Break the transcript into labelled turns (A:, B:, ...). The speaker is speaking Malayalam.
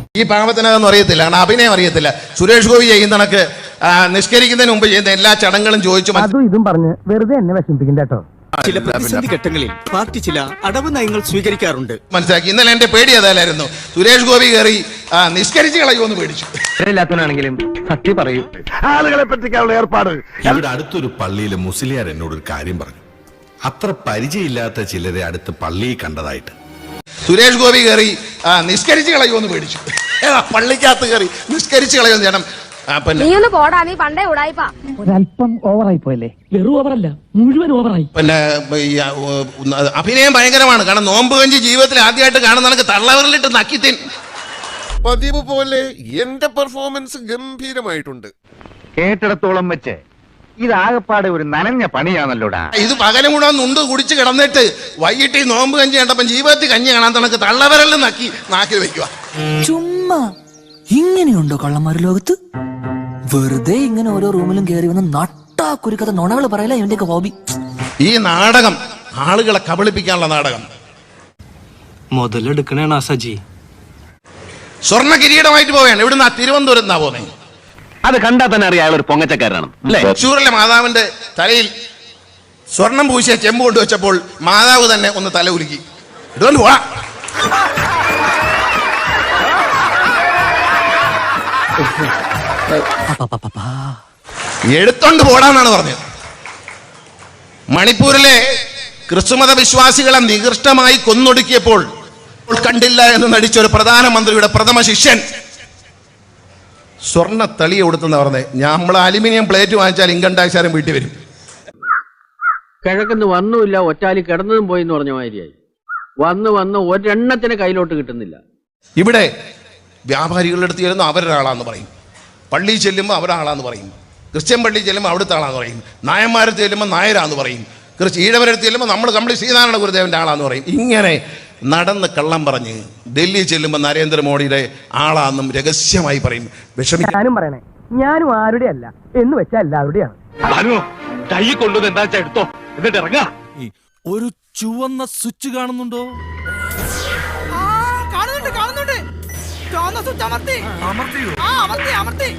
A: ഈ പാവത്തിനതൊന്നും അറിയത്തില്ല, കാരണം അഭിനയം അറിയത്തില്ല. സുരേഷ് ഗോപി ചെയ്യുന്ന കണക്ക് നിഷ്കരിക്കുന്നതിന് മുമ്പ് ചെയ്യുന്ന എല്ലാ ചടങ്ങുകളും ചോദിച്ചു
B: അതും ഇതും പറഞ്ഞ് വെറുതെ എന്നെ വിഷമിപ്പിക്കണ്ട കേട്ടോ.
C: ചില പ്രതിസന്ധി ഘട്ടങ്ങളിൽ പാർട്ടി ചില അടവ് നയങ്ങൾ സ്വീകരിക്കാറുണ്ട്.
A: മനസ്സിലാക്കി. ഇന്നലെ എന്റെ പേടി അതല്ലായിരുന്നു, സുരേഷ് ഗോപി കയറി നിഷ്കരിച്ച് കളയുമെന്ന് പേടിച്ചു.
B: ഇല്ലാത്തവനാണെങ്കിലും സത്യം പറയൂ.
D: ആളുകളെ പറ്റിക്കാനുള്ള ഏർപ്പാട്.
E: ഇവിടെ അടുത്തൊരു പള്ളിയിലെ മുസ്ലിയാർ എന്നോടൊരു കാര്യം പറഞ്ഞു. അത്ര പരിചയമില്ലാത്ത ചിലരെ അടുത്ത് പള്ളിയിൽ കണ്ടതായിട്ട്.
A: സുരേഷ് ഗോപി കയറി നിഷ്കരിച്ച് കളയുമെന്ന് പേടിച്ചു. പള്ളിക്കകത്ത് കയറി നിഷ്കരിച്ച് കളയുമെന്ന് ചേട്ടൻ.
B: ഒരല്പം ഓവറായി പോയല്ലേ? വെറും ഓവറല്ല, മുഴുവൻ ഓവറായി.
A: പിന്നെ അഭിനയം ഭയങ്കരമാണ്. കാരണം നോമ്പ് കഞ്ചി ജീവിതത്തിൽ ആദ്യമായിട്ട് കാണുന്ന കണക്ക് തള്ളവരിലിട്ട് നക്കിത്തിൻ.
D: പതിവ് പോലെ എന്റെ പെർഫോമൻസ് ഗംഭീരമായിട്ടുണ്ട്.
F: കേട്ടിടത്തോളം വെച്ച് ഇതാകപ്പാടെ ഒരു നനഞ്ഞ പണിയാണല്ലോടാ.
A: ഇത് പകലും കൂടെ നുണ്ട് കുടിച്ച് കിടന്നിട്ട് വൈകിട്ട് ഈ നോമ്പ് കഞ്ചി കണ്ടപ്പം ജീവിതത്തിൽ കഞ്ഞി കാണാൻ തണക്ക് തള്ളവരലിൽ നക്കി നാക്കിൽ വെക്കുക.
G: ചുമ്മാ ഇങ്ങനെയുണ്ടോ കള്ളന്മാര് ലോകത്ത്? വെറുതെ ഇങ്ങനെ ഓരോ റൂമിലും കയറി വന്ന് നട്ടാ കുരുക്കഥ നുണകൾ പറയല ഇവന്റെയൊക്കെ ഹോബി.
A: ഈ നാടകം ആളുകളെ കബളിപ്പിക്കാനുള്ള നാടകം.
C: മുതലെടുക്കണേ സജി.
A: സ്വർണ്ണ കിരീടമായിട്ട് പോവുകയാണ്. ഇവിടുന്ന് തിരുവനന്തപുരത്ത് നിന്നാ പോകുന്നത്.
F: അത് കണ്ടാൽ തന്നെ അറിയാം അയാൾ ഒരു പൊങ്ങച്ചക്കാരനാണ്.
A: തൃശ്ശൂരിലെ മാതാവിന്റെ തലയിൽ സ്വർണം പൂശിയ ചെമ്പ് കൊണ്ടുവച്ചപ്പോൾ മാതാവ് തന്നെ ഒന്ന് തല ഉലുക്കി. ഇതുകൊണ്ട് പോവാ. എടുത്തോണ്ട് പോടാന്നാണ് പറഞ്ഞത്. മണിപ്പൂരിലെ ക്രിസ്തുമത വിശ്വാസികളെ നികൃഷ്ടമായി കൊന്നൊടുക്കിയപ്പോൾ കണ്ടില്ല എന്ന് നടിച്ച ഒരു പ്രധാനമന്ത്രിയുടെ പ്രഥമ ശിഷ്യൻ സ്വർണ്ണ തളിയെ കൊടുത്തെന്ന് പറഞ്ഞത്. നമ്മൾ അലുമിനിയം പ്ലേറ്റ് വാങ്ങിച്ചാൽ ഇൻകം ടാക്സുകാരൻ വീട്ടിൽ വരും.
H: കിഴക്കുന്ന് വന്നുമില്ല, ഒറ്റാലി കിടന്നതും പോയി എന്ന് പറഞ്ഞ മാതിരിയായി. വന്ന് ഒരെണ്ണത്തിന് കയ്യിലോട്ട് കിട്ടുന്നില്ല. ഇവിടെ
A: വ്യാപാരികളുടെ അടുത്ത് ചെല്ലുമ്പോൾ അവരൊരാളാന്ന് പറയും, പള്ളി ചെല്ലുമ്പോൾ അവരാളാന്ന് പറയും, ക്രിസ്ത്യൻ പള്ളി ചെല്ലുമ്പോൾ അവിടുത്തെ ആളാന്ന് പറയും, നായന്മാരത്ത് ചെല്ലുമ്പോൾ നായരാന്ന് പറയും, ഈഴവരടുത്ത് ചെല്ലുമ്പോൾ നമ്മൾ ശ്രീനാരായണ ഗുരുദേവന്റെ ആളാന്ന് പറയും. ഇങ്ങനെ നടന്ന് കള്ളം പറഞ്ഞ് ഡൽഹി ചെല്ലുമ്പോൾ നരേന്ദ്രമോദിയുടെ ആളാന്നും രഹസ്യമായി പറയും.
B: ഞാനും പറയണേ, ഞാനും ആരുടെ അല്ല എന്ന് വെച്ചാൽ എല്ലാവരുടെയാണ്.
F: കൈ കൊണ്ടുവന്ന് എന്താ എടുത്തോ, എന്നിട്ട് ഇറങ്ങാ.
C: ഒരു ചുവന്ന സ്വിച്ച് കാണുന്നുണ്ടോ?
G: കാണുന്നുണ്ട്. ചുവന്ന സ്വിച്ച് അമർത്തി.